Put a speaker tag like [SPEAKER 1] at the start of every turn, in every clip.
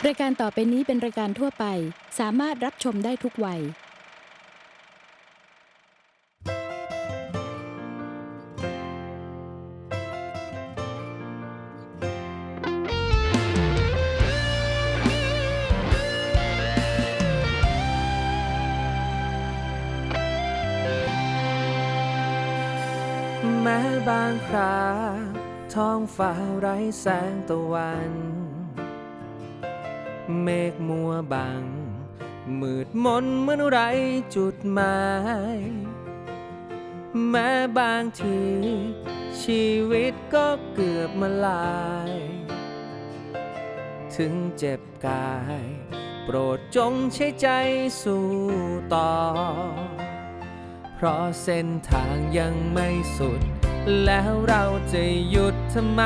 [SPEAKER 1] รายการต่อไปนี้เป็นรายการทั่วไปสามารถรับชมได้ทุกวัย
[SPEAKER 2] แม้บางคราท้องฟ้าไร้แสงตะวันเมฆมัวบังมืดมนเหมือนไร้จุดหมายแม้บางทีชีวิตก็เกือบมาลายถึงเจ็บกายโปรดจงใช้ใจสู้ต่อเพราะเส้นทางยังไม่สุดแล้วเราจะหยุดทำไม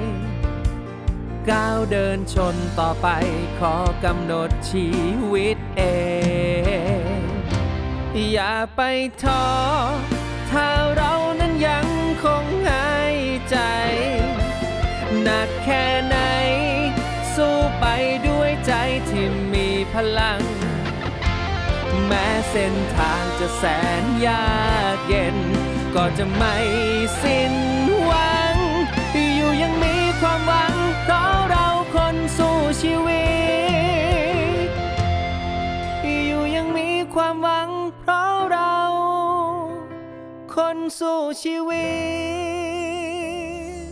[SPEAKER 2] ก้าวเดินชนต่อไปขอกำหนดชีวิตเองอย่าไปท้อถ้าเรานั้นยังคงหายใจหนักแค่ไหนสู้ไปด้วยใจที่มีพลังแม้เส้นทางจะแสนยากเย็นก็จะไม่สิ้นหวังอยู่ยังมีความหวังเพราะเราคนสู้ชีวิตอยู่ยังมีความหวังเพราะเราคนสู้ชีวิต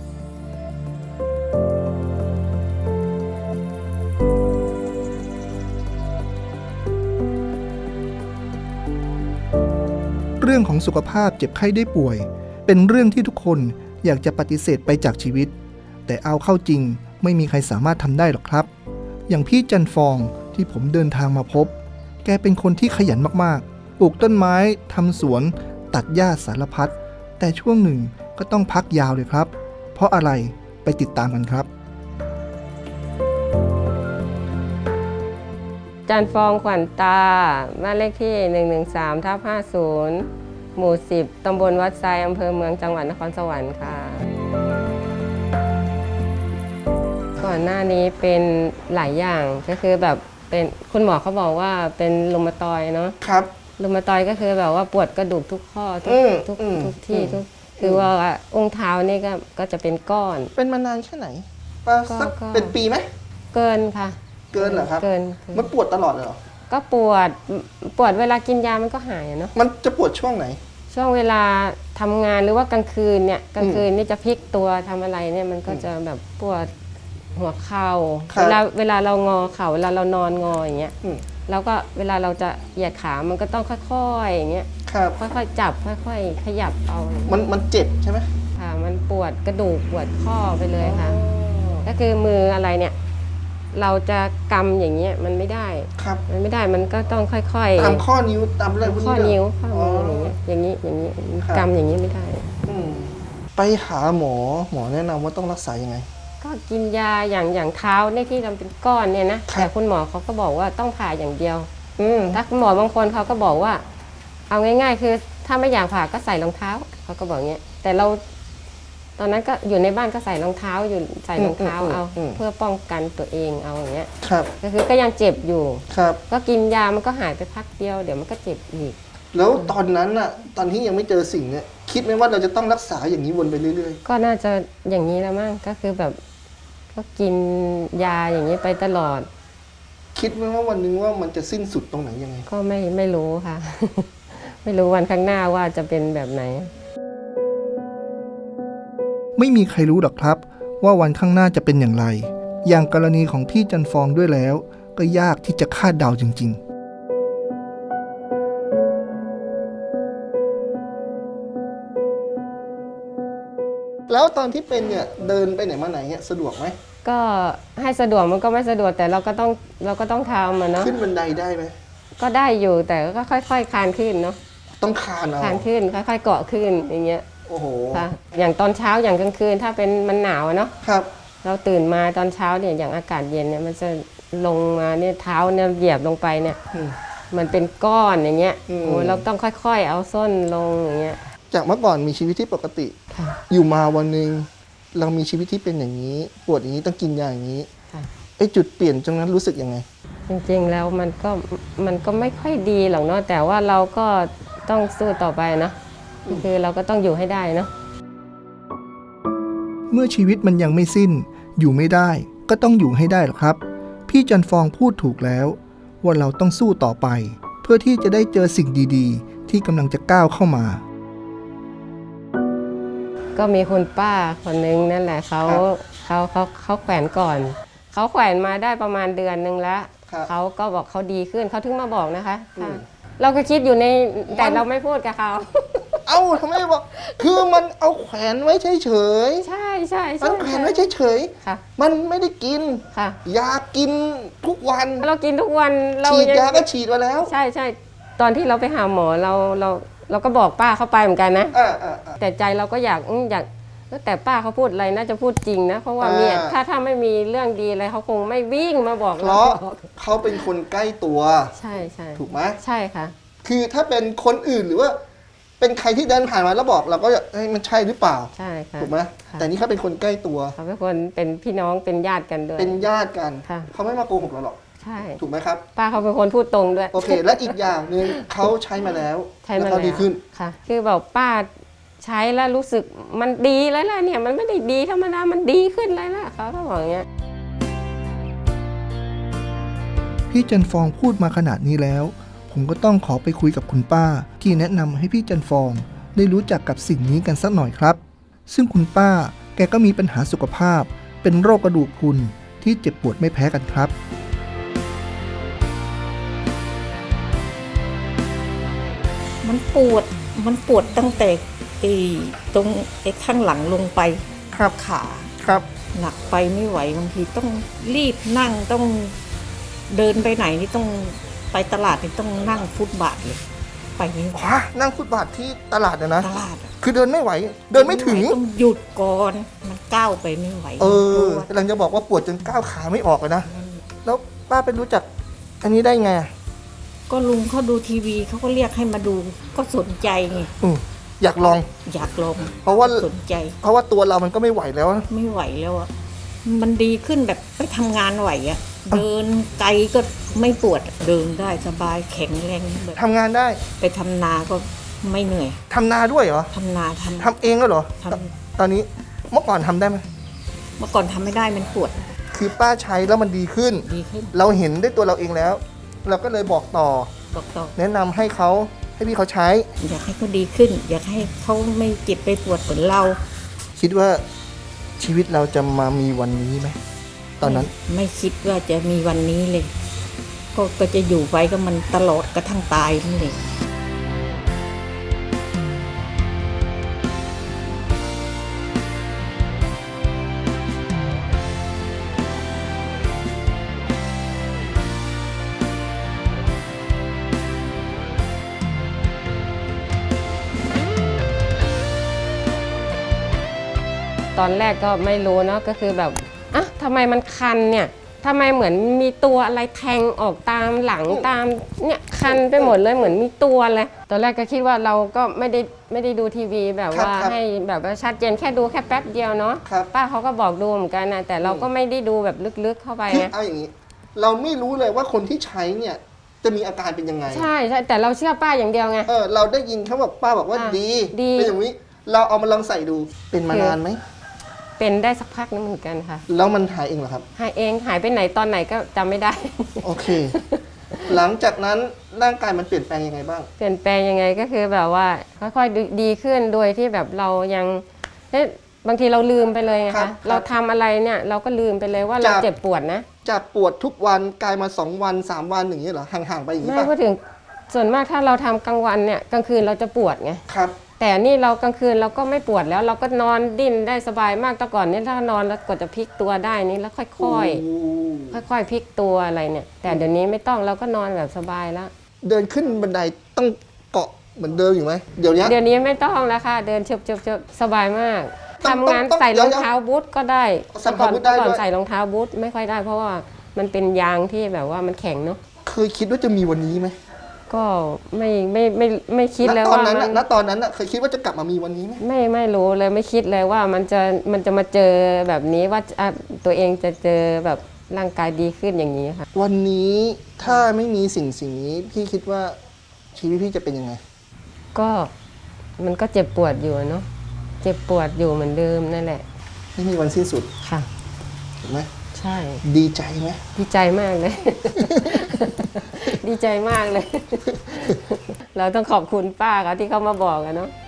[SPEAKER 3] เรื่องของสุขภาพเจ็บไข้ได้ป่วยเป็นเรื่องที่ทุกคนอยากจะปฏิเสธไปจากชีวิตแต่เอาเข้าจริงไม่มีใครสามารถทำได้หรอกครับอย่างพี่จันฟองที่ผมเดินทางมาพบแกเป็นคนที่ขยันมากๆปลูกต้นไม้ทำสวนตัดหญ้าสารพัดแต่ช่วงหนึ่งก็ต้องพักยาวเลยครับเพราะอะไรไปติดตามกันครับ
[SPEAKER 4] จันฟองขวัญตาบ้านเลขที่113/50หมู่10ตำบลวัดไซอำเภอเมืองจังหวัดนครสวรรค์ค่ะก่อนหน้านี้เป็นหลายอย่างก็คือแบบเป็นคุณหมอเขาบอกว่าเป็นรุมาตอยด์เนาะ
[SPEAKER 3] ครับ
[SPEAKER 4] รุมาตอยด์ก็คือแบบว่าปวดกระดูกทุกข้อทุกที่ทุกคือว่าองค์เท้านี่ก็จะเป็นก้อน
[SPEAKER 3] เป็นมานานแค่ไหนสักเป็นปีไหม
[SPEAKER 4] เกินค่ะ
[SPEAKER 3] เกินเหรอครับ
[SPEAKER 4] เกิน
[SPEAKER 3] มันปวดตลอดเลยเหรอ
[SPEAKER 4] ก็ปวดเวลากินยามันก็หายเนาะ
[SPEAKER 3] มันจะปวดช่วงไหน
[SPEAKER 4] ช่วงเวลาทำงานหรือว่ากลางคืนเนี่ยกลางคืนนี่จะพลิกตัวทำอะไรเนี่ยมันก็จะแบบปวดหัวเข่าเวลาเรางอเข่าเวลาเรานอนงออย่างเงี้ยแล้วก็เวลาเราจะเหยียดขามันก็ต้องค่อยๆอย่างเงี้ยค่อยๆจับค่อยๆขยับเอา
[SPEAKER 3] มันเจ็บใช่ไหม
[SPEAKER 4] ค่ะมันปวดกระดูกปวดข้อไปเลยค่ะก็คือมืออะไรเนี่ยเราจะกำอย่างเงี้ยมันไม่ได้มันไม่ได้มันก็ต้องค่อย
[SPEAKER 3] ๆตามข้อนิ้วตามอะไรพวกนี้
[SPEAKER 4] ข้อนิ้วอย่างนี้อย่างนี้กำอย่างนี้ไม่ได้
[SPEAKER 3] ไปหาหมอแนะนำว่าต้องรักษายังไง
[SPEAKER 4] ก็กินยาอย่างเท้าในที่ทำเป็นก้อนเนี่ยนะแต่คุณหมอเขาก็บอกว่าต้องผ่าอย่างเดียวถ้าคุณหมอบางคนเขาก็บอกว่าเอาง่ายๆคือถ้าไม่อยากผ่าก็ใส่รองเท้าเขาก็บอกเงี้ยแต่เราตอนนั้นก็อยู่ในบ้านก็ใส่รองเท้าอยู่ใส่รองเท้าเอาเพื่อป้องกันตัวเองเอาอย่างเงี้ยก็คือก็ยังเจ็บอยู่ก็กินยามันก็หายไปพักเดียวเดี๋ยวมันก็เจ็บอีก
[SPEAKER 3] แล้วตอนนั้นอะตอนที่ยังไม่เจอสิ่งเนี้ยคิดไหมว่าเราจะต้องรักษาอย่างนี้วนไปเรื่อย
[SPEAKER 4] ๆก็น่าจะอย่างนี้แล้วมั้งก็คือแบบก็กินยาอย่างนี้ไปตลอด
[SPEAKER 3] คิดไหมว่าวันนึงว่ามันจะสิ้นสุดตรงไหนยังไง
[SPEAKER 4] ก็ไม่รู้ค่ะ ไม่รู้วันข้างหน้าว่าจะเป็นแบบไหน
[SPEAKER 3] ไม่มีใครรู้หรอกครับว่าวันข้างหน้าจะเป็นอย่างไรอย่างกรณีของพี่จันฟองด้วยแล้วก็ยากที่จะคาดเดาจริงๆแล้วตอนที่เป็นเนี่ยเดินไปไหนมาไหนเนี่ยสะดวกไหม
[SPEAKER 4] ก็ให้สะดวกมันก็ไม่สะดวกแต่เราก็ต้องทำมันเนาะ
[SPEAKER 3] ขึ้นบันไดได้ไหม
[SPEAKER 4] ก็ได้อยู่แต่ก็ค่อยๆคลานขึ้นเนาะ
[SPEAKER 3] ต้องคลานเอา
[SPEAKER 4] คลานขึ้นค่อยๆเกาะขึ้นอย่างเงี้ย
[SPEAKER 3] โอ้โห
[SPEAKER 4] ค่ะอย่างตอนเช้าอย่างกลางคืนถ้าเป็นมันหนาวเนาะ
[SPEAKER 3] ครับ
[SPEAKER 4] เราตื่นมาตอนเช้าเนี่ยอย่างอากาศเย็นเนี่ยมันจะลงมาเนี่ยเท้าเนี่ยเหยียบลงไปเนี่ยมันเป็นก้อนอย่างเงี้ยโอ้เราต้องค่อยๆเอาส้นลงอย่างเงี้ย
[SPEAKER 3] จากเมื่อก่อนมีชีวิตที่ปกติอยู่มาวันนึงเรามีชีวิตที่เป็นอย่างนี้ปวดอย่างนี้ต้องกินยาอย่างนี้ไอ้จุดเปลี่ยนตรงนั้นรู้สึกยังไง
[SPEAKER 4] จริงๆแล้วมันก็ไม่ค่อยดีหรอกเนาะแต่ว่าเราก็ต้องสู้ต่อไปนะคือเราก็ต้องอยู่ให้ได้เนาะ
[SPEAKER 3] เมื่อชีวิตมันยังไม่สิ้น อยู่ไม่ได้ ก็ต้องอยู่ให้ได้หรอกครับ พี่จันฟองพูดถูกแล้ว ว่าเราต้องสู้ต่อไป เพื่อที่จะได้เจอสิ่งดีๆ ที่กำลังจะก้าวเข้ามา
[SPEAKER 4] ก็มีคุณป้าคนนึงนั่นแหละเขาแขวนก่อนเขาแขวนมาได้ประมาณเดือนนึงแล้ว
[SPEAKER 3] ครับ
[SPEAKER 4] เขาก็บอกเขาดีขึ้นเขาถึงมาบอกนะคะค่ะเราก็คิดอยู่ในแต่เราไม่พูดกับเขา
[SPEAKER 3] เอ้าทำไมบอก คือมันเอาแขวนไว้เฉย
[SPEAKER 4] ใช่ใช่
[SPEAKER 3] ๆมันแขวนไว้เฉย
[SPEAKER 4] ค่ะ
[SPEAKER 3] ๆมันไม่ได้กิน
[SPEAKER 4] ค่ะ
[SPEAKER 3] ยากินทุกวัน
[SPEAKER 4] เรากินทุกวันเรา
[SPEAKER 3] ฉีด
[SPEAKER 4] ยัง
[SPEAKER 3] ยาก็ฉีดมาแล้ว
[SPEAKER 4] ใช่ใช่ตอนที่เราไปหาหมอเราก็บอกป้าเข้าไปเหมือนกันนะ แต่ใจเราก็อยากแต่ป้าเขาพูดอะไรน่าจะพูดจริงนะเพราะว่าเนี่ยถ้าไม่มีเรื่องดีอะไรเขาคงไม่วิ่งมาบอก
[SPEAKER 3] เพ
[SPEAKER 4] เรา
[SPEAKER 3] ราะเขาเป็นคนใกล้ตัว
[SPEAKER 4] ใช่ใช่
[SPEAKER 3] ถูกไหม
[SPEAKER 4] ใช่ค่ะ
[SPEAKER 3] คือถ้าเป็นคนอื่นหรือว่า เป็นใครที่เดินผ่านมาแล้วบอกเราก็เฮ้ยมันใช่หรือเปล่า
[SPEAKER 4] ใช่ค่ะ
[SPEAKER 3] ถูกไหม
[SPEAKER 4] ค่ะ
[SPEAKER 3] แต่นี่เขาเป็นคนใกล้ตัว
[SPEAKER 4] เขาเป็นคนเป็นพี่น้องเป็นญาติกันด้วย
[SPEAKER 3] เป็นญาติกัน
[SPEAKER 4] ค่ะ
[SPEAKER 3] เขาไม่มาโกหกเราหรอก
[SPEAKER 4] ใช่
[SPEAKER 3] ถูกไหมครับ
[SPEAKER 4] ป้าเขาเป็นคนพูดตรงด้วย
[SPEAKER 3] โอเค และอีกอย่างหนึ่งเขาใช้มาแล้ว
[SPEAKER 4] ใช้มา
[SPEAKER 3] แล้ว
[SPEAKER 4] แล้
[SPEAKER 3] เขา
[SPEAKER 4] ว
[SPEAKER 3] ดีขึ้น
[SPEAKER 4] ค่ะ คือบอกป้าใช้แล้วรู้สึกมันดีแล้วล่ะเนี่ยมันไม่ได้ดีธรรมดามันดีขึ้นเลยล่ะเขาก็บอกอย่างเงี้ย
[SPEAKER 3] พี่จันฟองพูดมาขนาดนี้แล้ว ผมก็ต้องขอไปคุยกับคุณป้า ที่แนะนำให้พี่จันฟองได้รู้จักกับสิ่งนี้กันสักหน่อยครับ ซึ่งคุณป้าแกก็มีปัญหาสุขภาพ เป็นโรคกระดูกพรุนที่เจ็บปวดไม่แพ้กันครับ
[SPEAKER 5] มันปวดตั้งแต่ตรงข้างหลังลงไป
[SPEAKER 3] ครับ
[SPEAKER 5] ขา
[SPEAKER 3] ครับ
[SPEAKER 5] หนักไปไม่ไหวบางทีต้องรีบนั่งต้องเดินไปไหนนี่ต้องไปตลาดนี่ต้องนั่งฟุตบาทเลยไปไม่ไหว
[SPEAKER 3] นั่งฟุตบาทที่ตลาดนะ
[SPEAKER 5] ตลาดอะ
[SPEAKER 3] คือเดินไม่ไหว เดินไม่ถึง
[SPEAKER 5] ต้องหยุดก่อนมันก้าวไปไม่ไหว
[SPEAKER 3] กำลังจะบอกว่าปวดจนก้าวขาไม่ออกเลยนะ แล้วป้าไปรู้จักอันนี้ได้ไง
[SPEAKER 5] ก็ลุงเขาดูทีวีเขาก็เรียกให้มาดูก็สนใจไง
[SPEAKER 3] อยากลอง
[SPEAKER 5] อยากลอง
[SPEAKER 3] เพราะว่า
[SPEAKER 5] สนใจ
[SPEAKER 3] ตัวเรามันก็ไม่ไหวแล้วนะ
[SPEAKER 5] ไม่ไหวแล้วอ่ะมันดีขึ้นแบบไปทำงานไหวอ่ะเดินไกลก็ไม่ปวดเดินได้สบายแข็งแรงแบบ
[SPEAKER 3] ทำงานได้
[SPEAKER 5] ไปทำนาก็ไม่เหนื่อย
[SPEAKER 3] ทำนาด้วยเหรอ
[SPEAKER 5] ทำนาท
[SPEAKER 3] ทำเองก็เหรอ
[SPEAKER 5] ำ
[SPEAKER 3] ตอนนี้เมื่อก่อนทำได้ไหม
[SPEAKER 5] เมื่อก่อนทำไม่ได้มันปวด
[SPEAKER 3] คือป้าใช้แล้วมันดีขึ้น
[SPEAKER 5] ดีขึ้น
[SPEAKER 3] เราเห็นด้วยตัวเราเองแล้ว เราก็เลยบอกต่อ
[SPEAKER 5] บอกต่อ
[SPEAKER 3] แนะนำให้พี่เขาใช้
[SPEAKER 5] อยากให้เขาดีขึ้น อยากให้เขาไม่เจ็บไปปวดเหมือนเรา
[SPEAKER 3] คิดว่าชีวิตเราจะมามีวันนี้ไหมตอนนั้น
[SPEAKER 5] ไม่คิดว่าจะมีวันนี้เลย ก็จะอยู่ไปก็มันตลอดกระทั่งตายนั่นเลย
[SPEAKER 4] ตอนแรกก็ไม่รู้เนาะก็คือแบบอ่ะทำไมมันคันเนี่ยทำไมเหมือนมีตัวอะไรแทงออกตามหลังตามเนี่ยคันไปหมดเลยเหมือนมีตัวเลยตอนแรกก็คิดว่าเราก็ไม่ได้ดูทีวีแบบว่า
[SPEAKER 3] ครับ
[SPEAKER 4] ให้แบบว่าชัดเจนแค่ดูแค่แป๊บเดียวเนาะ
[SPEAKER 3] ครับ
[SPEAKER 4] ป้าเขาก็บอกดูเหมือนกันนะแต่เราก็ไม่ได้ดูแบบลึกๆเข้าไป
[SPEAKER 3] คือ
[SPEAKER 4] นะ
[SPEAKER 3] เอาอย่างนี้ เราไม่รู้เลยว่าคนที่ใช้เนี่ยจะมีอาการเป็นยังไง
[SPEAKER 4] ใช่ใช่แต่เราเชื่อป้าอย่างเดียวไง
[SPEAKER 3] เราได้ยินเขาบอกป้าบอกว่า
[SPEAKER 4] อ่ะ
[SPEAKER 3] ดี
[SPEAKER 4] ดี
[SPEAKER 3] เป็นอย่างนี้ เราเอามาลองใส่ดู เป็นมานานไหม
[SPEAKER 4] เป็นได้สักพักนึงเหมือนกันค่ะ
[SPEAKER 3] แล้วมันหายเองเหรอครับ
[SPEAKER 4] หายเองหายไปไหนตอนไหนก็จำไม่ได้
[SPEAKER 3] โอเค หลังจากนั้นร่างกายมันเปลี่ยนแปลงยังไงบ้าง
[SPEAKER 4] เปลี่ยนแปลงยังไงก็คือแบบว่าค่อยๆดีขึ้นโดยที่แบบเรายังเอ๊ะบางทีเราลืมไปเลยไง
[SPEAKER 3] ครั
[SPEAKER 4] คะ
[SPEAKER 3] บ
[SPEAKER 4] เราทำอะไรเนี่ยเราก็ลืมไปเลยว่าเรา
[SPEAKER 3] จาก
[SPEAKER 4] เจ็บปวดนะ
[SPEAKER 3] จากปวดทุกวันกลายมา2 วัน 3 วันอย่างนี้เหรอห่างๆไปอย่างนี้
[SPEAKER 4] ไม่
[SPEAKER 3] ป่ะ
[SPEAKER 4] พูดถึงส่วนมากถ้าเราทำกลางวันเนี่ยกลางคืนเราจะปวดไง
[SPEAKER 3] ครับ
[SPEAKER 4] แต่นี่เรากลางคืนเราก็ไม่ปวดแล้ว เราก็นอนดิ้นได้สบายมากแต่ก่อนนี่ถ้านอนแล้วกว่าจะพลิกตัวได้นี่แล้วค่อยๆค่อยๆพลิกตัวอะไรเนี่ย แต่เดี๋ยวนี้ไม่ต้องเราก็นอนแบบสบายแล้ว
[SPEAKER 3] เดินขึ้นบันไดต้องเกาะเหมือนเดิมอยู่ไหมเดี๋ยวนี้
[SPEAKER 4] เดี๋ยวนี้ไม่ต้องแล้วค่ะเดินเฉบๆสบายมาก
[SPEAKER 3] ต้อง
[SPEAKER 4] ทำงาน
[SPEAKER 3] ต้อง
[SPEAKER 4] ใส่รอง
[SPEAKER 3] เดี๋ยว
[SPEAKER 4] เท้าบูทก็ได้
[SPEAKER 3] ใส่รองเท้าบูทได้
[SPEAKER 4] แต่ก่อน
[SPEAKER 3] ด้วย
[SPEAKER 4] ใส่รองเท้าบูทไม่ค่อยได้เพราะว่ามันเป็นยางที่แบบว่ามันแข็งเนาะ
[SPEAKER 3] เคยคิดว่าจะมีวันนี้ไหม
[SPEAKER 4] ก็ไม่คิดเลย
[SPEAKER 3] ตอ
[SPEAKER 4] ว่าน
[SPEAKER 3] นั้น
[SPEAKER 4] มั
[SPEAKER 3] น่ะ
[SPEAKER 4] น
[SPEAKER 3] ณตอนนั้นน่ะเคยคิดว่าจะกลับมามีวันนี้ไหม
[SPEAKER 4] ไม่รู้เลยไม่คิดเลยว่ามันจะมาเจอแบบนี้ว่าตัวเองจะเจอแบบร่างกายดีขึ้นอย่างนี้ค่ะ
[SPEAKER 3] วันนี้ถ้าไม่มีสิ่งนี้พี่คิดว่าชีวิตพี่จะเป็นยังไง
[SPEAKER 4] ก็มันก็เจ็บปวดอยู่เนาะเจ็บปวดอยู่เหมือนเดิมนั่นแหละ
[SPEAKER 3] ไม่มีวันสิ้นสุด
[SPEAKER 4] ค่ะ
[SPEAKER 3] ถูกไหม
[SPEAKER 4] ใช่
[SPEAKER 3] ดีใจไหม
[SPEAKER 4] ดีใจมากเลย ดีใจมากเลย เราต้องขอบคุณป้าเขาที่เขามาบอกอะเนาะ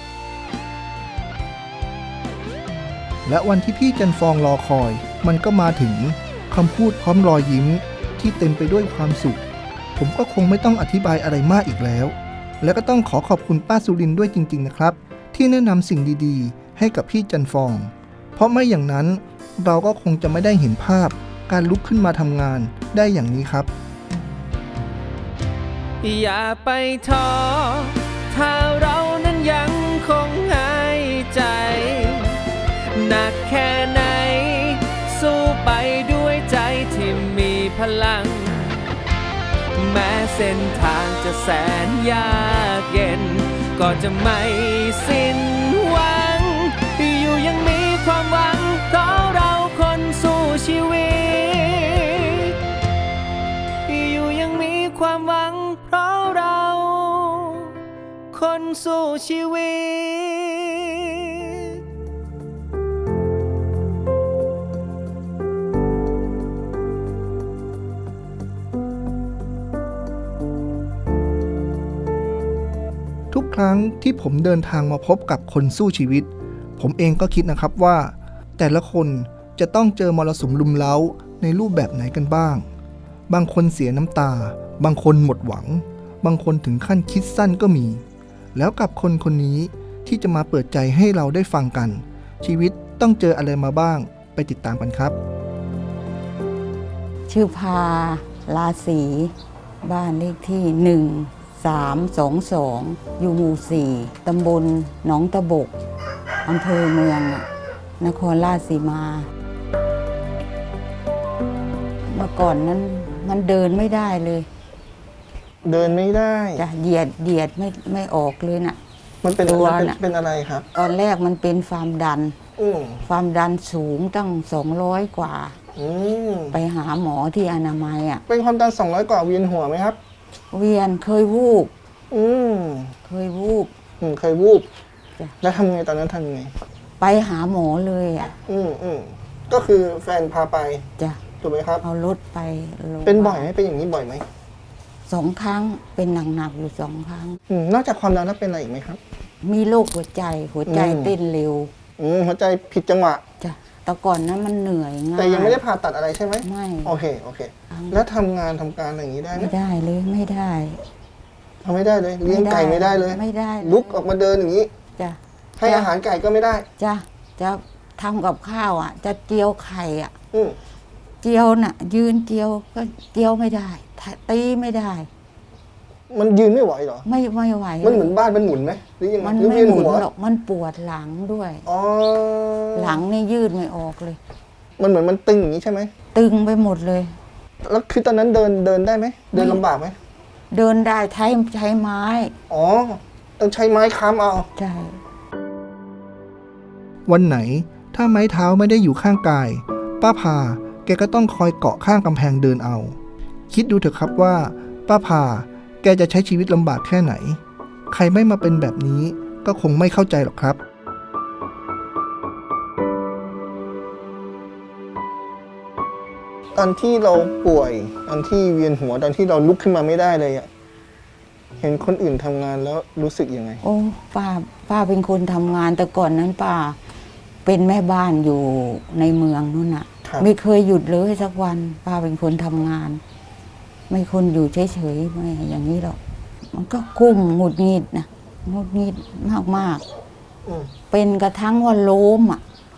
[SPEAKER 3] และวันที่พี่จันฟองรอคอย มันก็มาถึงคำพูดพร้อมรอยยิ้มที่เต็มไปด้วยความสุข ผมก็คงไม่ต้องอธิบายอะไรมากอีกแล้ว และก็ต้องขอบคุณป้าสุรินทร์ด้วยจริงๆนะครับ ที่แนะนำสิ่งดีๆ ให้กับพี่จันฟอง เพราะไม่อย่างนั้นเราก็คงจะไม่ได้เห็นภาพการลุกขึ้นมาทำงานได้อย่างนี้ครับ
[SPEAKER 2] อย่าไปท้อถ้าเรานั้นยังคงหายใจ หนักแค่ไหน สู้ไปด้วยใจที่มีพลัง แม้เส้นทางจะแสนยากเย็น ก็จะไม่สิ้นหวัง อยู่ยังมีความหวังเพราะเราคนสู้ชีวิต อยู่ยังมีความหวังเพราะเราคนสู้ชีวิต
[SPEAKER 3] ทุกครั้งที่ผมเดินทางมาพบกับคนสู้ชีวิต ผมเองก็คิดนะครับว่า แต่ละคนจะต้องเจอมรสุมลุมเล้าในรูปแบบไหนกันบ้าง บางคนเสียน้ำตา บางคนหมดหวัง บางคนถึงขั้นคิดสั้นก็มี แล้วกับคนคนนี้ที่จะมาเปิดใจให้เราได้ฟังกัน ชีวิตต้องเจออะไรมาบ้างไปติดตามกันครับ
[SPEAKER 6] ชื่อพาลาศีบ้านเลขที่ 1322 อยู่หมู่ 4 ตำบลหนองตะบก อำเภอเมืองนครราชสีมา เมื่อก่อนนั้นมันเดินไม่ได้เลย
[SPEAKER 3] เดินไม่ได้
[SPEAKER 6] จะเหยียดไม่ออกเลยน่ะ
[SPEAKER 3] มันเป็น
[SPEAKER 6] ตัว
[SPEAKER 3] มัน
[SPEAKER 6] น่ะ
[SPEAKER 3] เป็นอะไรครับ
[SPEAKER 6] ตอนแรกมันเป็นความดัน
[SPEAKER 3] อืม
[SPEAKER 6] ความดันสูงตั้ง 200 กว่า
[SPEAKER 3] อืม
[SPEAKER 6] ไปหาหมอที่อนามัยอ่ะ
[SPEAKER 3] เป็นความดัน200 กว่าเวียนหัวไหมครับ
[SPEAKER 6] เวียนเคยวูบ
[SPEAKER 3] อืม
[SPEAKER 6] เคยวูบ
[SPEAKER 3] เคยวูบ
[SPEAKER 6] จ้ะ
[SPEAKER 3] แล้วทำไงตอนนั้นทำไง
[SPEAKER 6] ไปหาหมอเลยอ่ะ
[SPEAKER 3] ก็คือแฟนพาไป
[SPEAKER 6] จ้ะ
[SPEAKER 3] ถูกไหมครับ
[SPEAKER 6] เอารถไปโรงพยาบาล
[SPEAKER 3] เป็นบ่อยไหมเป็นอย่างนี้บ่อยไหม
[SPEAKER 6] 2 ครั้งเป็นหนักๆอยู่2 ครั้ง
[SPEAKER 3] นอกจากความดันแล้วเป็นอะไรอีกไหมครับ
[SPEAKER 6] มีโรคหัวใจเต้นเร็ว
[SPEAKER 3] หัวใจผิดจังหวะ
[SPEAKER 6] จ้ะแต่ก่อนนั้นมันเหนื่อยง่าย
[SPEAKER 3] แต่ยังไม่ได้ผ่าตัดอะไรใช่ไหม
[SPEAKER 6] ไม่
[SPEAKER 3] โอเคแล้วทำงานทำการอะไรอย่างนี้ได้ไหม
[SPEAKER 6] ไม่ได้เลยไม่ได้
[SPEAKER 3] ทำไม่ได้เลยเลี้ยงไก่ไม่ได้เลย
[SPEAKER 6] ไม่ได้เย
[SPEAKER 3] ลุกออกมาเดินอย่างนี้
[SPEAKER 6] จ้ะ
[SPEAKER 3] ให้อาหารไก่ก็ไม่ได้
[SPEAKER 6] จ้ะจะทำกับข้าวอ่ะ จะเจียวไข่อ่ะ
[SPEAKER 3] อืม
[SPEAKER 6] เจียวน่ะ ยืนเจียวก็เจียวไม่ได้ตีไม่ได้
[SPEAKER 3] มันยืนไม่ไหวเหรอ
[SPEAKER 6] ไม่ไหว
[SPEAKER 3] มันเหมือนบ้านมันหมุนไหมหรือยังไง
[SPEAKER 6] มัน
[SPEAKER 3] หรือ
[SPEAKER 6] ไม่
[SPEAKER 3] เวียน
[SPEAKER 6] หมุน
[SPEAKER 3] หัว
[SPEAKER 6] หรอกมันปวดหลังด้วย
[SPEAKER 3] อ๋อ
[SPEAKER 6] หลังนี่ยืดไม่ออกเลย
[SPEAKER 3] มันเหมือนมันตึงอย่างนี้ใช่ไหม
[SPEAKER 6] ตึงไปหมดเลย
[SPEAKER 3] แล้วคือตอนนั้นเดินได้ไหมเดินลำบากไหม
[SPEAKER 6] เดินได้ใช้ไม้
[SPEAKER 3] อ๋อต้องใช้ไม้ค้ำเอา
[SPEAKER 6] ใช่
[SPEAKER 3] วันไหนถ้าไม้เท้าไม่ได้อยู่ข้างกาย ป้าพาแกก็ต้องคอยเกาะข้างกำแพงเดินเอา คิดดูเถอะครับว่า ป้าพาแกจะใช้ชีวิตลำบากแค่ไหน ใครไม่มาเป็นแบบนี้ก็คงไม่เข้าใจหรอกครับ ตอนที่เราป่วยตอนที่เวียนหัวตอนที่เราลุกขึ้นมาไม่ได้เลยอะเห็นคนอื่นทำงานแล้วรู้สึกยังไง
[SPEAKER 6] โอ้ป้าเป็นคนทำงานแต่ก่อนนั้นป้าเป็นแม่บ้านอยู่ในเมืองนู่นน่ะ
[SPEAKER 3] ครับ
[SPEAKER 6] ไม่เคยหยุดเลยสักวัน ป้าเป็นคนทำงาน ไม่คนอยู่เฉยๆไม่อย่างนี้หรอกมันก็กุ้มหงุดหงิดนะหงุดหงิดมาก
[SPEAKER 3] อืม
[SPEAKER 6] ๆเป็นกระทั่งว่าล้ม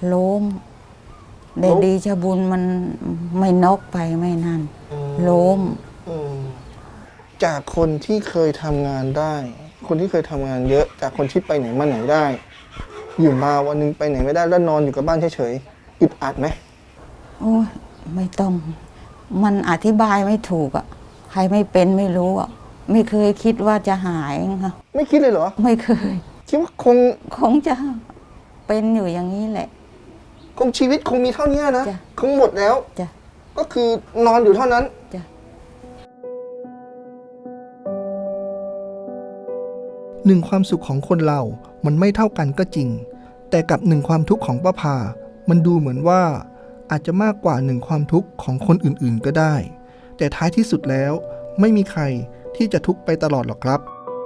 [SPEAKER 6] แต่
[SPEAKER 3] ล้ม
[SPEAKER 6] ดีชะบุญมันไม่นอกไปไม่นั่น ล้ม
[SPEAKER 3] อืมจากคนที่เคยทำงานได้ คนที่เคยทำงานเยอะ จากคนที่ไปไหนมาไหนได้ อยู่มาวันหนึงไปไหนไม่ได้แล้วนอนอยู่กับบ้านเฉยๆอึดอัดไหม
[SPEAKER 6] โอ้ยไม่ต้อง มันอธิบายไม่ถูกอ่ะ ใครไม่เป็นไม่รู้อ่ะ ไม่เคยคิดว่าจะหายค่ะ
[SPEAKER 3] ไม่คิดเลยเหรอ
[SPEAKER 6] ไม่เคย
[SPEAKER 3] คิดว่า
[SPEAKER 6] คงจะเป็นอยู่อย่างนี้แหละ
[SPEAKER 3] คงชีวิตคงมีเท่านี้นะ
[SPEAKER 6] จ้ะ
[SPEAKER 3] คงหมดแล้ว
[SPEAKER 6] จ้ะ
[SPEAKER 3] คก็คือนอนอยู่เท่านั้น
[SPEAKER 6] จ้ะ
[SPEAKER 3] หนึ่งความสุขของคนเรามันไม่เท่ากันก็จริง แต่กับหนึ่งความทุกข์ของป้าพามันดูเหมือนว่าอาจจะมากกว่าหนึ่งความทุกข์ของคนอื่นๆก็ได้ แต่ท้ายที่สุดแล้วไม่มีใครที่จะทุกข์ไปตลอดหรอกครับ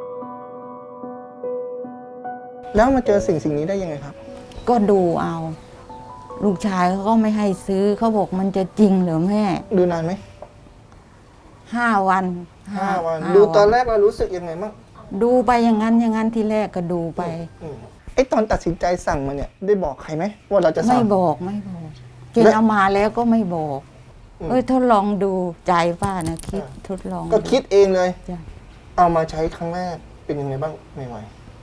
[SPEAKER 3] แล้วมาเจอสิ่งนี้ได้ยังไงครับ
[SPEAKER 6] ก็ดูเอา ลูกชายเขาก็ไม่ให้ซื้อเขาบอกมันจะจริงเหรือแม่
[SPEAKER 3] ดูนานไหม
[SPEAKER 6] 5 วัน
[SPEAKER 3] 5 วัน
[SPEAKER 6] ห้า
[SPEAKER 3] ดูตอนแรกเรารู้สึกยังไงบ้าง
[SPEAKER 6] ดูไปอย่างนั้นที่แรกก็ดูไป
[SPEAKER 3] ไอ้ตอนตัดสินใจสั่งมาเนี่ยได้บอกใครไหมว่าเราจะสั่
[SPEAKER 6] ไม่
[SPEAKER 3] ง
[SPEAKER 6] บอกเจนเอามาแล้วก็ไม่บอก
[SPEAKER 3] อืม
[SPEAKER 6] ทดลองดูใจป้านะคิดทดลอง
[SPEAKER 3] ก็คิดเองเลย
[SPEAKER 6] จ้ะ
[SPEAKER 3] เอามาใช้ครั้งแรกเป็นยังไงบ้างใหม่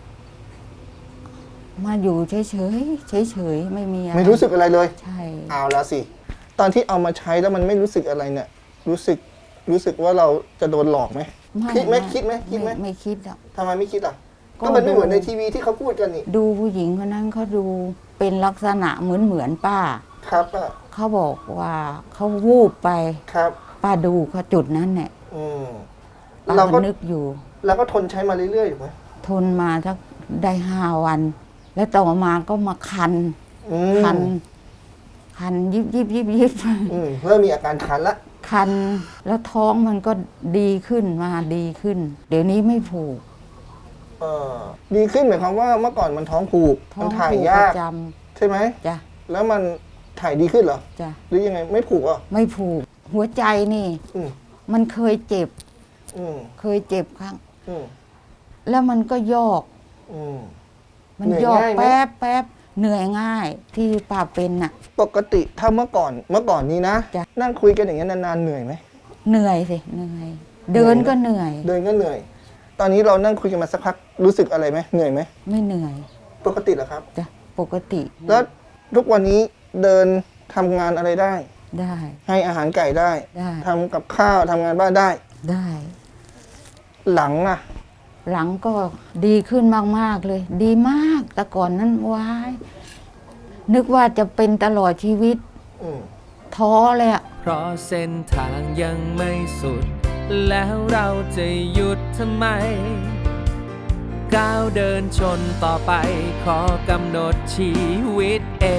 [SPEAKER 6] มาอยู่เฉยๆไม่มีอะ
[SPEAKER 3] ๆ
[SPEAKER 6] ไร
[SPEAKER 3] ไม่รู้สึกอะไรเลย
[SPEAKER 6] ใช่
[SPEAKER 3] เอาแล้วสิตอนที่เอามาใช้แล้วมันไม่รู้สึกอะไรเนี่ยรู้สึกว่าเราจะโดนหลอกไหมคิดไหม
[SPEAKER 6] ไม่คิดอ่ะ
[SPEAKER 3] ทำไมไม่คิดอ่ะ
[SPEAKER 6] ก็
[SPEAKER 3] ก็มันไม่
[SPEAKER 6] ดู
[SPEAKER 3] เหมือนในทีวีที่เขาพูดกันนี่
[SPEAKER 6] ดูผู้หญิงคนนั้นเขาดูเป็นลักษณะเหมือนป้า
[SPEAKER 3] ครับอ่ะ
[SPEAKER 6] เขาบอกว่าเขาวูบไป
[SPEAKER 3] ครับ
[SPEAKER 6] ป้าดูเขาจุดนั้นเนี่ย
[SPEAKER 3] อืม
[SPEAKER 6] ป้า
[SPEAKER 3] เราก็
[SPEAKER 6] ก็นึกอยู่
[SPEAKER 3] เราก็ทนใช้มาเรื่อยๆอยู่ไหม
[SPEAKER 6] ทนมาสักได้5 วัน แล้วต่อมาก็มาคัน
[SPEAKER 3] อืม
[SPEAKER 6] คันยิบ
[SPEAKER 3] เริ่มมีอาการคันละ
[SPEAKER 6] คันแล้วท้องมันก็ดีขึ้นมาดีขึ้น เดี๋ยวนี้ไม่ผูก
[SPEAKER 3] เออดีขึ้นหมายความว่าเมื่อก่อนมันท้องผูก
[SPEAKER 6] ท้อ
[SPEAKER 3] มั
[SPEAKER 6] ง
[SPEAKER 3] นถ่าย
[SPEAKER 6] ผูก
[SPEAKER 3] ยาก
[SPEAKER 6] ประจ
[SPEAKER 3] ใช่ไหม
[SPEAKER 6] ำจ้ะ
[SPEAKER 3] แล้วมันถ่ายดีขึ้นเหรอ
[SPEAKER 6] จ้ะ
[SPEAKER 3] หรือยังไงไม่ผูกอ่ะ
[SPEAKER 6] ไม่ผูก หัวใจนี่
[SPEAKER 3] อืม
[SPEAKER 6] มันเคยเจ็บ
[SPEAKER 3] อืม
[SPEAKER 6] เคยเจ็บครั้ง
[SPEAKER 3] อืม
[SPEAKER 6] แล้วมันก็ยอก
[SPEAKER 3] อืม
[SPEAKER 6] มัน
[SPEAKER 3] เหนื่อย
[SPEAKER 6] ยอก
[SPEAKER 3] ง่ายไหม
[SPEAKER 6] แป๊บเหนื่อยง่ายที่ป้าเป็นน่ะ
[SPEAKER 3] ปกติถ้าเมื่อก่อนนี้นะ
[SPEAKER 6] จ้ะ
[SPEAKER 3] นั่งคุยกันอย่างเงี้ยนานๆเหนื่อยไหม
[SPEAKER 6] เหนื่อยสิเหนื่อย เดินก็เหนื่อย
[SPEAKER 3] เดินก็เหนื่อย ตอนนี้เรานั่งคุยกันมาสักพักรู้สึกอะไรไหมเหนื่อยไหม
[SPEAKER 6] ไม่เหนื่อย
[SPEAKER 3] ปกติเหรอครับ
[SPEAKER 6] จ้ะปกติ
[SPEAKER 3] แล้วทุกวันนี้เดินทำงานอะไรได้
[SPEAKER 6] ได้
[SPEAKER 3] ให้อาหารไก่ได้
[SPEAKER 6] ได้
[SPEAKER 3] ทำกับข้าวทำงานบ้านได้
[SPEAKER 6] ได้
[SPEAKER 3] หลังอ่ะ
[SPEAKER 6] หลังก็ดีขึ้นมากๆเลย ดีมากแต่ก่อนนั้นว้ายนึกว่าจะเป็นตลอดชีวิต
[SPEAKER 3] อืม
[SPEAKER 6] ท้อเลยอะ
[SPEAKER 2] เพราะเส้นทางยังไม่สุด แล้วเราจะหยุดทำไม ก้าวเดินชนต่อไป ขอกำหนดชีวิตเอง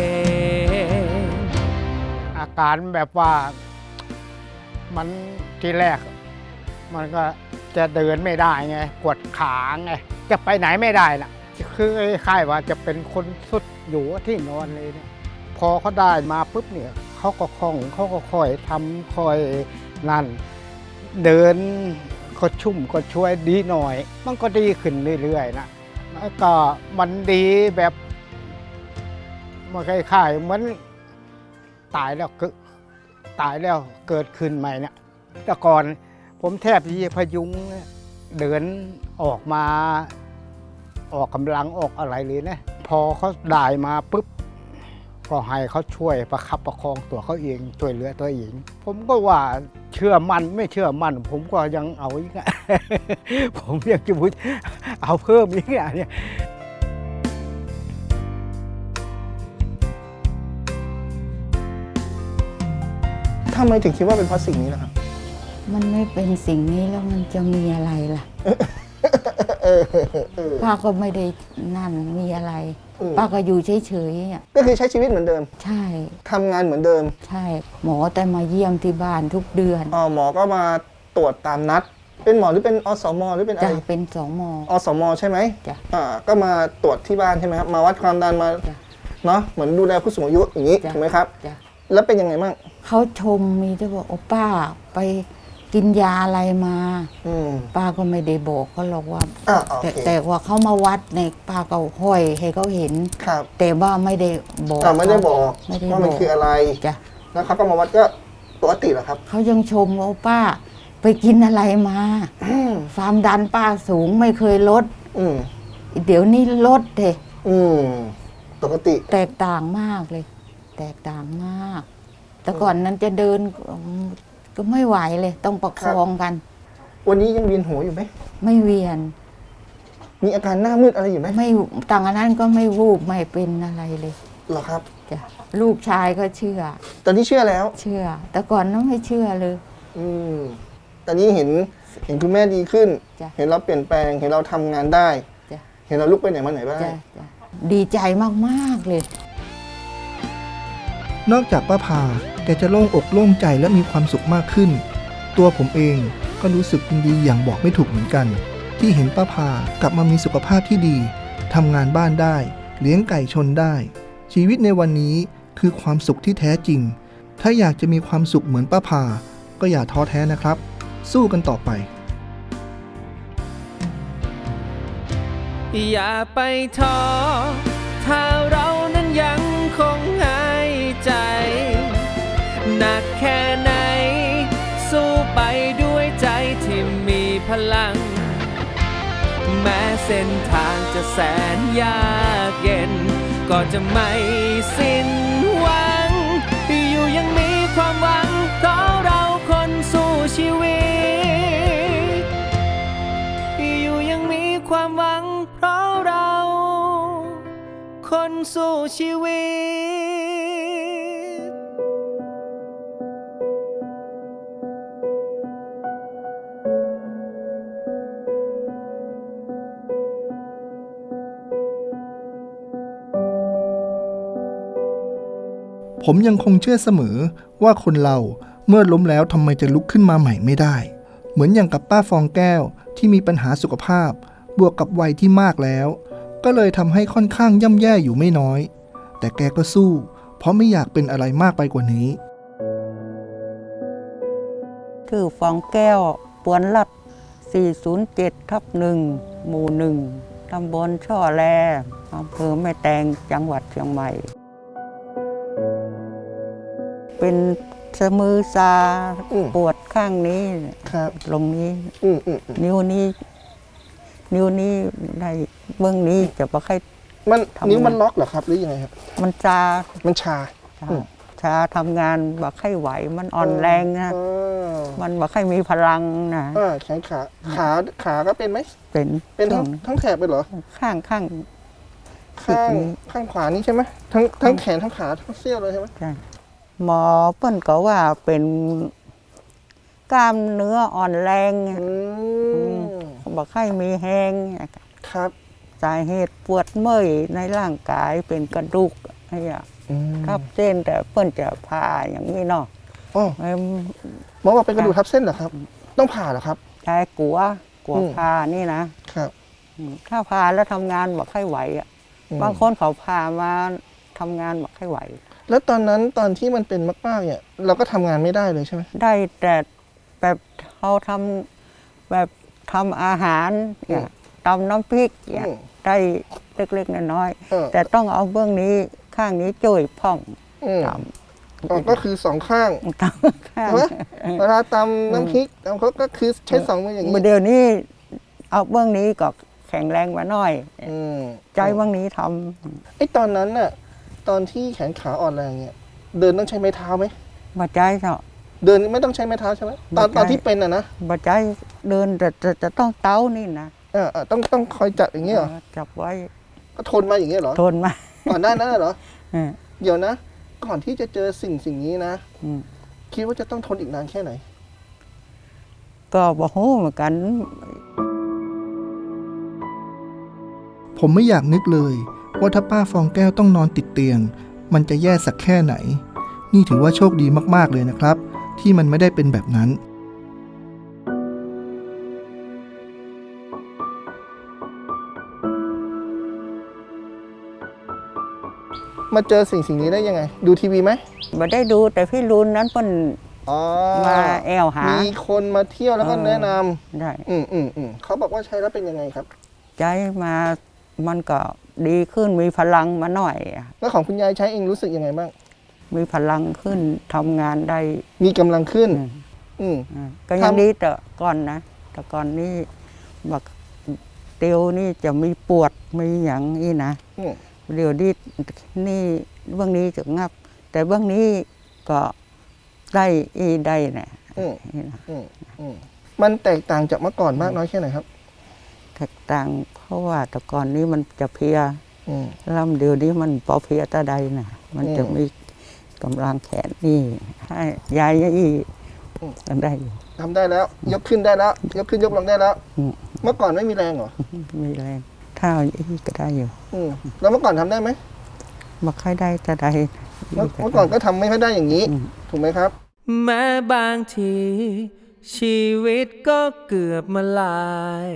[SPEAKER 7] อาการแบบว่ามันทีแรก มันก็จะเดินไม่ได้ไงปวดขาไงจะไปไหนไม่ได้ล่ะ คือคล้ายๆว่าจะเป็นคนสุดอยู่ที่นอนเลยเนี่ยพอเขาได้มาปุ๊บเนี่ยเขาก็คล่องเขาก็ค่อยทำค่อยนั่น เดินก็ชุ่มก็ช่วยดีหน่อย มันก็ดีขึ้นเรื่อยๆนะแล้วก็มันดีแบบมันคล้ายๆเหมือนตายแล้วเกิดขึ้นใหม่เนี่ยแต่ก่อนผมแทบที่จะพยุงเดินออกมาออกกำลังออกอะไรเลยนะพอเขาได้มาปุ๊บก็ให้เขาช่วยประคับประคองตัวเขาเองช่วยเหลือตัวเองผมก็ว่าเชื่อมั่นไม่เชื่อมั่นผมก็ยังเอาอีกอะ ผมยังจะพูดเอาเพิ่มอีกอะเนี่ย
[SPEAKER 3] ทำไมถึงคิดว่าเป็นเพราะสิ่งนี้ล่ะครับ
[SPEAKER 6] มันไม่เป็นสิ่งนี้แล้วมันจะมีอะไรล่ะ ป้าก็ไม่ได้นั่นมีอะไร ป้าก็อยู่เฉยๆอ่ะ
[SPEAKER 3] ก็คือใช้ชีวิตเหมือนเดิม
[SPEAKER 6] ใช่
[SPEAKER 3] ทำงานเหมือนเดิม
[SPEAKER 6] ใช่ หมอแต่มาเยี่ยมที่บ้านทุกเดือน
[SPEAKER 3] หมอก็มาตรวจตามนัด เป็นหมอหรือเป็นอสมหรือเป็นอะไร
[SPEAKER 6] จะเป็น2 ม
[SPEAKER 3] อสมใช่ไหม
[SPEAKER 6] จ้ะ
[SPEAKER 3] ก็มาตรวจที่บ้านใช่ไหมครับมาวัดความดันมา
[SPEAKER 6] จ้ะ
[SPEAKER 3] เนาะเหมือนดูแลผู้สูงอายุอย่างนี้
[SPEAKER 6] จ้ะ
[SPEAKER 3] ถูกไหมครับ
[SPEAKER 6] จ้ะ
[SPEAKER 3] แล้วเป็นยังไงบ้าง
[SPEAKER 6] เขาชมมีแต่บอกโอ้ป้าไปกินยาอะไรมา
[SPEAKER 3] อืม
[SPEAKER 6] ป้าก็ไม่ได้บอกเขาหรอกว่า
[SPEAKER 3] โอเค
[SPEAKER 6] แต่ว่าเขามาวัดในป้าก็ห้อยให้เขาเห็น
[SPEAKER 3] ครับ
[SPEAKER 6] แต่ว่าไม่ได้บอก
[SPEAKER 3] ไม่ได้บอก
[SPEAKER 6] ไม่ได้
[SPEAKER 3] ว่ามัน
[SPEAKER 6] บอก
[SPEAKER 3] คืออะไร
[SPEAKER 6] จ้ะ
[SPEAKER 3] แล้วเขาก็มาวัดก็ปกติเหรอครับ
[SPEAKER 6] เขายังชมว่าป้าไปกินอะไรมาความดันป้าสูงไม่เคยลด
[SPEAKER 3] อืม
[SPEAKER 6] เดี๋ยวนี้ลดเถ
[SPEAKER 3] อืมปกติ
[SPEAKER 6] แตกต่างมากเลย แตกต่างมาก แต่ก่อนนั้นจะเดินก็ไม่ไหวเลย ต้องประคองกัน
[SPEAKER 3] วันนี้ยังเวียนหัวอยู่ไหม
[SPEAKER 6] ไม่เวียน
[SPEAKER 3] มีอาการหน้ามืดอะไรอยู่ไหม
[SPEAKER 6] ไม่ต่างอันนั้นก็ไม่วูบไม่เป็นอะไรเลย
[SPEAKER 3] อเหรอครับ
[SPEAKER 6] จ้ะลูกชายก็เชื่อ
[SPEAKER 3] ตอนนี้เชื่อแล้ว
[SPEAKER 6] เชื่อ แต่ก่อนนั้นไม่เชื่อเลย
[SPEAKER 3] อืมตอนนี้เห็นคุณแม่ดีขึ้น
[SPEAKER 6] จ้ะ
[SPEAKER 3] เห็นเราเปลี่ยนแปลง เห็นเราทำงานได้
[SPEAKER 6] จ้ะ
[SPEAKER 3] เห็นเราลุกไปไหนมาไหนได้
[SPEAKER 6] จ้ะจ้ะดีใจมากๆเลย
[SPEAKER 3] นอกจากป้าพาแกจะโล่งอกโล่งใจและมีความสุขมากขึ้น ตัวผมเองก็รู้สึกยินดีอย่างบอกไม่ถูกเหมือนกัน ที่เห็นป้าพากลับมามีสุขภาพที่ดีทำงานบ้านได้ เลี้ยงไก่ชนได้ ชีวิตในวันนี้คือความสุขที่แท้จริง ถ้าอยากจะมีความสุขเหมือนป้าพาก็อย่าท้อแท้นะครับ สู้กันต่อไป
[SPEAKER 2] อย่าไปท้อถ้าเรานั้นยังคงหายใจหนักแค่ไหนสู้ไปด้วยใจที่มีพลัง แม้เส้นทางจะแสนยากเย็นก็จะไม่สิ้นหวังอยู่ยังมีความหวังเพราะเราคนสู้ชีวิตอยู่ยังมีความหวังเพราะเราคนสู้ชีวิต
[SPEAKER 3] ผมยังคงเชื่อเสมอว่าคนเราเมื่อล้มแล้วทำไมจะลุกขึ้นมาใหม่ไม่ได้ เหมือนอย่างกับป้าฟองแก้วที่มีปัญหาสุขภาพบวกกับวัยที่มากแล้ว ก็เลยทำให้ค่อนข้างย่ำแย่อยู่ไม่น้อย แต่แกก็สู้เพราะไม่อยากเป็นอะไรมากไปกว่านี้
[SPEAKER 6] ชื่อฟองแก้วปวนรัด 407/1 หมู่ 1 ตำบลช่อแลอำเภอแม่แตง จังหวัดเชียงใหม่ เป็นสะมือซา ปวดข้างนี้
[SPEAKER 3] ครับ
[SPEAKER 6] ลงนี้
[SPEAKER 3] นิ้ว
[SPEAKER 6] นิ้วนี้ได้เบื้องนี้จะบ่ค่อย
[SPEAKER 3] มัน
[SPEAKER 6] ทำไง
[SPEAKER 3] นิ้วมันล็อกเหรอครับหรือยังไงครับ
[SPEAKER 6] มันชา
[SPEAKER 3] มันชา
[SPEAKER 6] ชาทำงานบ่ค่อยไหว มันอ่อนแรงนะ มันบ่ค่อยมีพลังนะ
[SPEAKER 3] แขนขาก็เป็นไหม
[SPEAKER 6] เป็น
[SPEAKER 3] เป็นทั้ง
[SPEAKER 6] ช่ว
[SPEAKER 3] ทั้งแถบเลยเหรอ
[SPEAKER 6] ข้าง
[SPEAKER 3] ข้างขวานี่ใช่ไหมทั้งแขนทั้งขาทั้งเสี้ยวเลยใช่ไหม
[SPEAKER 6] ใช่หมอเปิ้นก็ว่าเป็นกล้ามเนื้ออ่อนแรงบอกให้มีแห้ง
[SPEAKER 3] ครับ
[SPEAKER 6] สาเหตุปวดเมื่อยในร่างกายเป็นกระดูกอะไรอย่างทับเส้นแต่เปิ้นจะผ่าอย่างนี้เนาะ
[SPEAKER 3] อ๋อหมอบอกเป็นกระดูกทับเส้นเหรอครับ ต้องผ่าเหรอครับ
[SPEAKER 6] ชายกลัวผ่านี่นะครับ ถ้าผ่าแล้วทำงานบอกให้ไหวอ่ะบางคนเขาผ่ามาทำงานบอกให้ไหว
[SPEAKER 3] แล้วตอนนั้นตอนที่มันเป็นมากๆเนี่ยเราก็ทำงานไม่ได้เลยใช่ไหม
[SPEAKER 6] ได้แต่แบบเขาทำแบบทำอาหารเนี่ยตำน้ำพริกเนี่ยได้เล็กๆน้อยๆแต่ต้องเอาเบื้องนี้ข้างนี้จ่วยพ่องตำ
[SPEAKER 3] ก็คือสองข้าง
[SPEAKER 6] ตำข้าง
[SPEAKER 3] ใช่ไหมเวลาตำน้ำพริกตำเขาก็คือใช้สองมืออย่างนี้
[SPEAKER 6] เดี๋ยวนี้เอาเบื้องนี้ก็แข็งแรงมาหน่อยใจเบื้องนี้ท
[SPEAKER 3] ไอ้ตอนนั้นน่ะตอนที่แขนขาอ่อนแรงเนี่ยเดินต้องใช้ไม้เท้าไหม
[SPEAKER 6] ำบาใจเนาะ
[SPEAKER 3] เดินไม่ต้องใช้ไม้เท้าใช่ไหมตอนที่เป็นอ่ะนะ
[SPEAKER 6] บาใจเดินแต่จะต้องเต้านี่นะ
[SPEAKER 3] ต้องคอยจับอย่างนี้เหรอ
[SPEAKER 6] จับไว้
[SPEAKER 3] ก็ทนมาอย่างนี้เหรอ
[SPEAKER 6] ทนมา
[SPEAKER 3] ก่อนหน้านั้นเหรอ
[SPEAKER 6] เออ
[SPEAKER 3] เดี๋ยวนะ ก่อนที่จะเจอสิ่งนี้นะ
[SPEAKER 6] อืม
[SPEAKER 3] คิดว่าจะต้องทนอีกนานแค่ไหน
[SPEAKER 6] ก็บอกโหเหมือนกัน
[SPEAKER 3] ผมไม่อยากนึกเลยว่าถ้าป้าฟองแก้วต้องนอนติดเตียง มันจะแย่สักแค่ไหน นี่ถือว่าโชคดีมากๆเลยนะครับ ที่มันไม่ได้เป็นแบบนั้น มาเจอสิ่งนี้ได้ยังไง ดูทีวีไหม
[SPEAKER 6] มาได้ดูแต่พี่รุนนั้นเพิ่น
[SPEAKER 3] อ๋อ
[SPEAKER 6] มาแอวหา
[SPEAKER 3] มีคนมาเที่ยวแล้วก็แนะน
[SPEAKER 6] ได้
[SPEAKER 3] ำเขาบอกว่าใช้แล้วเป็นยังไงครับ
[SPEAKER 6] ใจมามันก็ดีขึ้นมีพลังมาหน่อย
[SPEAKER 3] แล้วของคุณยายใช้เองรู้สึกยังไงบ้าง
[SPEAKER 6] มีพลังขึ้นทำงานได้
[SPEAKER 3] มีกำลังขึ้น
[SPEAKER 6] ก็ยังดีแต่ก่อนนะ แต่ก่อนนี่บักเตียวนี่จะมีปวดมีอย่างนี้นะ เดี๋ยวนี่เบื้องนี้จะงับ แต่เบื้องนี้ก็ได้เนี่ย
[SPEAKER 3] มันแตกต่างจากเมื่อก่อนมากน้อยแค่ไหนครับ
[SPEAKER 6] แตกต่างเพราะว่าแต่ก่อนนี้มันจะเพลียลำเดียวนี้มันพอเพียตาใดนะมันจะมีกำลังแขนนี่ให้ยายยี่ทำได้อยู่
[SPEAKER 3] ทำได้แล้ว ยกขึ้นได้แล้ว ยกขึ้นยกลงได้แล้ว
[SPEAKER 6] อืม
[SPEAKER 3] เมื่อก่อนไม่มีแรงเหรอ
[SPEAKER 6] มีแรงเท้ายี่ก็ได้อยู่
[SPEAKER 3] แล้วเมื่อก่อนทำได้ไหม
[SPEAKER 6] มาค่อยได้ตาใด
[SPEAKER 3] เมื่อก่อนก็ทำไม่ค่อยได้อย่างนี้ ถูกไหมครับ
[SPEAKER 2] แม้บางทีชีวิตก็เกือบมาลาย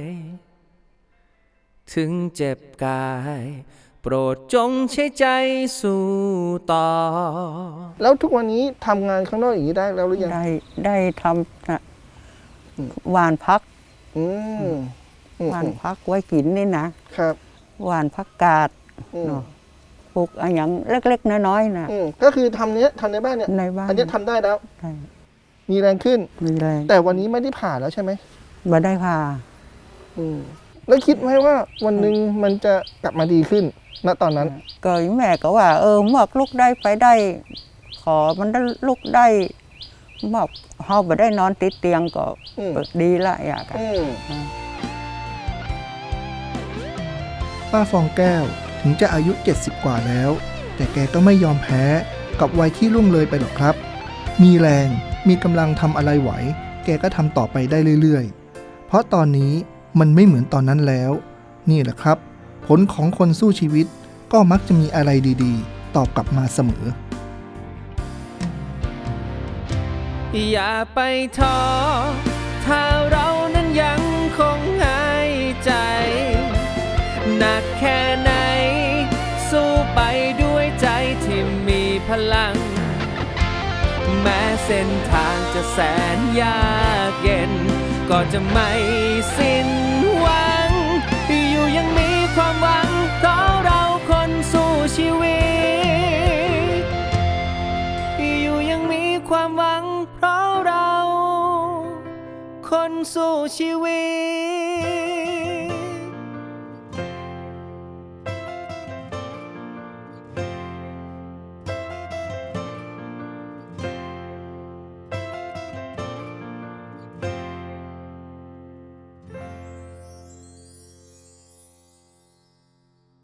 [SPEAKER 2] ถึงเจ็บกาย โปรดจงใช้ใจสู้ต่อ
[SPEAKER 3] แล้วทุกวันนี้ทำงานข้างนอกอย่างนี้ได้แล้วหรือยัง
[SPEAKER 6] ได้ทำนะหวานพัก
[SPEAKER 3] อืม
[SPEAKER 6] หวานพักไว้กินนี่นะครับ หวานพักกาดเนาะปลูกอะไรอย่างเล็กๆน้อยๆนะ
[SPEAKER 3] ก็คือทำในบ้านเนี่ย
[SPEAKER 6] ในบ้าน
[SPEAKER 3] อันนี้ทำได้แล้ว
[SPEAKER 6] ได้
[SPEAKER 3] มีแรงขึ้น
[SPEAKER 6] มีแรง
[SPEAKER 3] แต่วันนี้ไม่ได้ผ่าแล้วใช่ไหม
[SPEAKER 6] มาได้ผ่า
[SPEAKER 3] แล้วคิดไหมว่าวันหนึ่งมันจะกลับมาดีขึ้น ณ ตอนนั้น
[SPEAKER 6] ก็แม่ก็ว่าเมื่อลุกได้ไปได้ ขอมันได้ลุกได้เมื่อเฮาบ่ได้นอนติดเตียงก็ ดีละอยากอะ
[SPEAKER 3] ป้าฟองแก้วถึงจะอายุ 70 กว่าแล้ว แต่แกก็ไม่ยอมแพ้กับวัยที่ล่วงเลยไปหรอกครับ มีแรงมีกำลังทำอะไรไหว แกก็ทำต่อไปได้เรื่อยๆ เพราะตอนนี้มันไม่เหมือนตอนนั้นแล้ว นี่แหละครับ ผลของคนสู้ชีวิตก็มักจะมีอะไรดีๆ ตอบกลับมาเสมอ
[SPEAKER 2] อย่าไปท้อถ้าเรานั้นยังคงหายใจ หนักแค่ไหน สู้ไปด้วยใจที่มีพลัง แม้เส้นทางจะแสนยากเย็น ก็จะไม่สิ้นหวัง อยู่ยังมีความหวังเพราะเราคนสู้ชีวิต อยู่ยังมีความหวังเพราะเราคนสู้ชีวิต